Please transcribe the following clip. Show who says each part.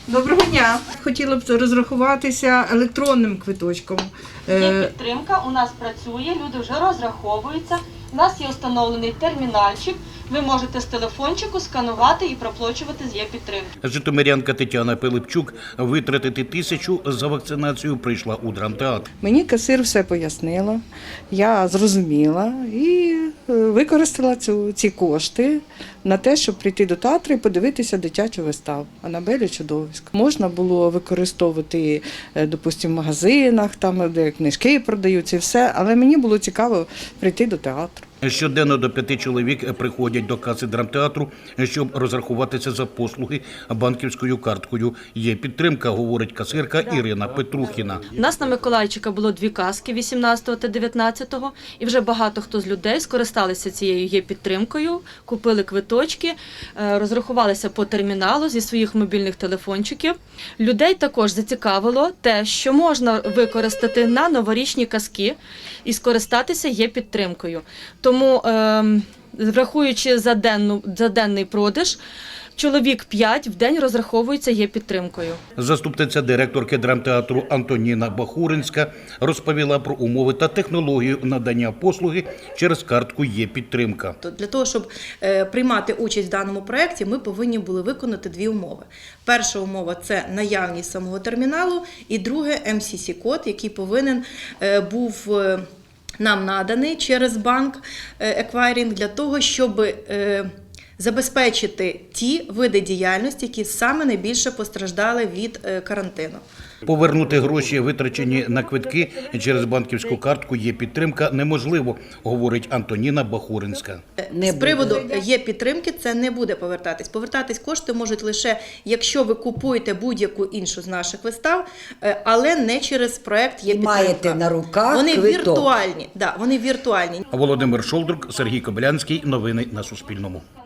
Speaker 1: Доброго дня. Хотіла б розрахуватися електронним квиточком.
Speaker 2: Є підтримка, у нас працює, люди вже розраховуються. У нас є встановлений термінальчик. Ви можете з телефончику сканувати і проплачувати з Є-підтримки.
Speaker 3: Житомирянка Тетяна Пилипчук витратити 1000 за вакцинацію прийшла у драмтеатр.
Speaker 4: Мені касир все пояснила, я зрозуміла і використала ці кошти на те, щоб прийти до театру і подивитися дитячу виставу «Анабель і чудовисько». Можна було використовувати, допустимо, в магазинах, там, де книжки продаються і все, але мені було цікаво прийти до театру.
Speaker 3: Щоденно до 5 чоловік приходять до каси драмтеатру, щоб розрахуватися за послуги банківською карткою. Є підтримка, говорить касирка Ірина Петрухіна.
Speaker 2: У нас на Миколайчика було 2 каски 18 та 19, і вже багато хто з людей скористалися цією Є-підтримкою, купили квиточки, розрахувалися по терміналу зі своїх мобільних телефончиків. Людей також зацікавило те, що можна використати на новорічні казки і скористатися Є-підтримкою. Тому, врахуючи за денний продаж, чоловік 5 в день розраховується Є-підтримкою.
Speaker 3: Заступниця директорки драмтеатру Антоніна Бахуринська розповіла про умови та технологію надання послуги через картку Є-підтримка.
Speaker 5: Для того, щоб приймати участь в даному проєкті, ми повинні були виконати 2 умови. Перша умова – це наявність самого терміналу, і друге – МСС-код, який повинен був нам наданий через банк еквайрінг для того, щоб забезпечити ті види діяльності, які саме найбільше постраждали від карантину.
Speaker 3: Повернути гроші, витрачені на квитки через банківську картку Є-підтримка неможливо, говорить Антоніна Бахуринська.
Speaker 5: З приводу Є-підтримки це не буде повертатись. Повертатись кошти можуть лише, якщо ви купуєте будь-яку іншу з наших вистав, але не через проєкт Є-підтримка.
Speaker 6: Маєте на руках
Speaker 5: вони
Speaker 6: квиток.
Speaker 5: Віртуальні. Да, вони віртуальні.
Speaker 3: Володимир Шолдрук, Сергій Кобилянський. Новини на Суспільному.